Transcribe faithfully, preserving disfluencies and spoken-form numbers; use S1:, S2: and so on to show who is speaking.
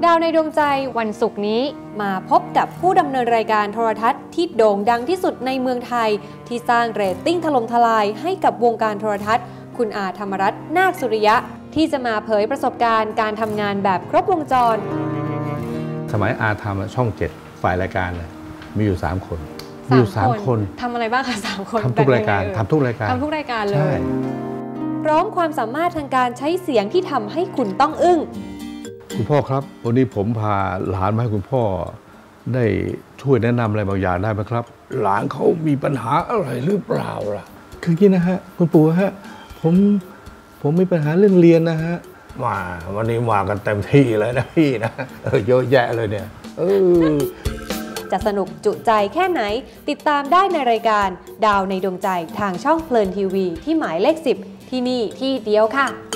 S1: ดาวในดวงใจวันศุกร์นี้มาพบกับผู้ดำเนินรายการโทรทัศน์ที่โด่งดังที่สุดในเมืองไทยที่สร้างเรตติ้งถล่มทลายให้กับวงการโทรทัศน์คุณอาธรรมรัตน์นาคสุริยะที่จะมาเผยประสบการณ์การทำงานแบบครบวงจร
S2: สมัยอาทำช่องเจ็ดฝ่ายรายการมีอยู่สามคนมีอยู่สามคน
S1: ทำอะไรบ้างคะสามคน
S2: ทำทุกรายการทำทุกรายการ
S1: ทำทุกรายการเลยพร้อมความสามารถทางการใช้เสียงที่ทำให้คุณต้องอึ้ง
S2: คุณพ่อครับวันนี้ผมพาหลานมาให้คุณพ่อได้ช่วยแนะนำอะไรบางอย่างได้ไหมครับหลานเขามีปัญหาอะไรหรือเปล่าล่ะคืออย่างนี้นะฮะคุณปู่ฮะผมผมมีปัญหาเรื่องเรียนนะฮะมาวันนี้มากันเต็มที่เลยนะพี่นะเออเยอะแยะเลยเนี่ยเออ
S1: จะสนุกจุใจแค่ไหนติดตามได้ในรายการดาวในดวงใจทางช่องเพลินทีวีที่หมายเลขสิบที่นี่ที่เดียวค่ะ